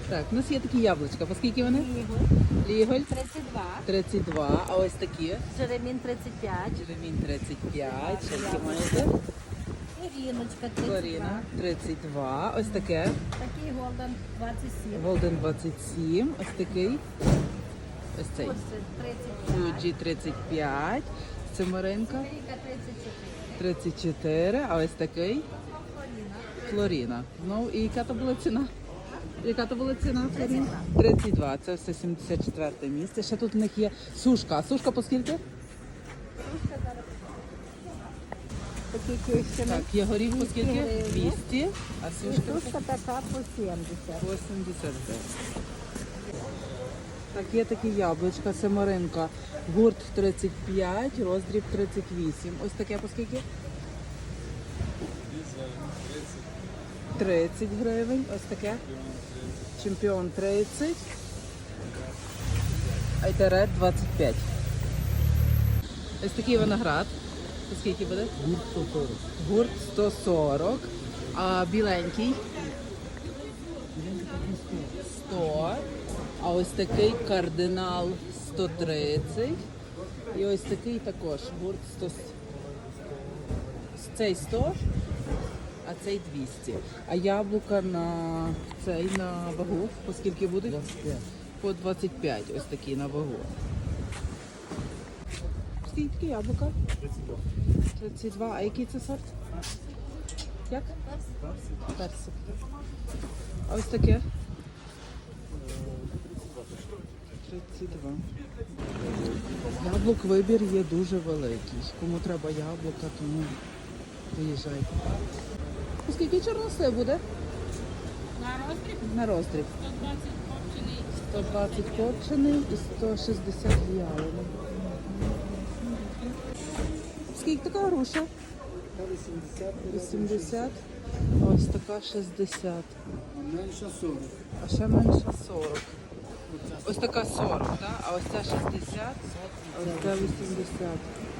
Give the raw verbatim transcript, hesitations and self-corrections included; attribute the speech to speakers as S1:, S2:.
S1: Так, у нас є такі яблучка. По скільки вони? Ліголь
S2: тридцять два.
S1: тридцять два, а ось такі?
S2: Жеремін тридцять п'ять.
S1: Черемінь тридцять п'ять. Ще які маєте?
S2: Коріночка тридцять
S1: Флоріна
S2: два.
S1: тридцять два. Ось таке.
S2: Такий голден двадцять сім.
S1: Голден двадцять сім. Ось такий. Ось цей.
S2: Фудзи тридцять п'ять.
S1: Фуджі тридцять п'ять. Цимаринка
S2: Ріка тридцять чотири.
S1: тридцять чотири. А ось такий
S2: Флоріна.
S1: Флоріна. Ну і яка то була ціна? Яка то була ціна Флоріна? тридцять два. Це все сімдесят четверте місце. Ще тут у них є сушка. А сушка по скільки?
S2: Сушка зараз. Такі кищені.
S1: Так, є горіх по скільки?
S2: гривень.
S1: двісті. А
S2: І
S1: сушка
S2: сушка така по сімдесят.
S1: вісімдесят дев'ять. Так, є такі яблучка, семеринка. Гурт тридцять п'ять, роздріб тридцять вісім. Ось таке по скільки? тридцять гривень. Ось таке. Чемпіон тридцять. Айтерет двадцять п'ять. Ось такий виноград. По скільки буде?
S3: Гурт сто сорок.
S1: Гурт сто сорок. А біленький? сто. А ось такий кардинал сто тридцять. І ось такий також гурт сто. Цей сто, а цей двісті. А яблука на цей на вагу по скільки будуть?
S3: двадцять п'ять.
S1: По двадцять п'ять. Ось такі на вагу. Скільки такі яблука?
S3: тридцять два.
S1: тридцять два. А який це сорт? Як? Персик. А ось таке? тридцять два. Яблук вибір є дуже великий. Кому треба яблука, тому виїжджайте. Скільки чорнослив буде?
S2: На роздріб
S1: На роздріб.
S2: сто двадцять копчений.
S1: сто двадцять копчений і сто шістдесят в'ялений. Скільки така груша?
S3: вісімдесят.
S1: вісімдесят. А ось така шістдесят.
S3: Менше сорок.
S1: А ще менша сорок. Ось така сорок, так? А ось ця шістдесят, а ось ця вісімдесят.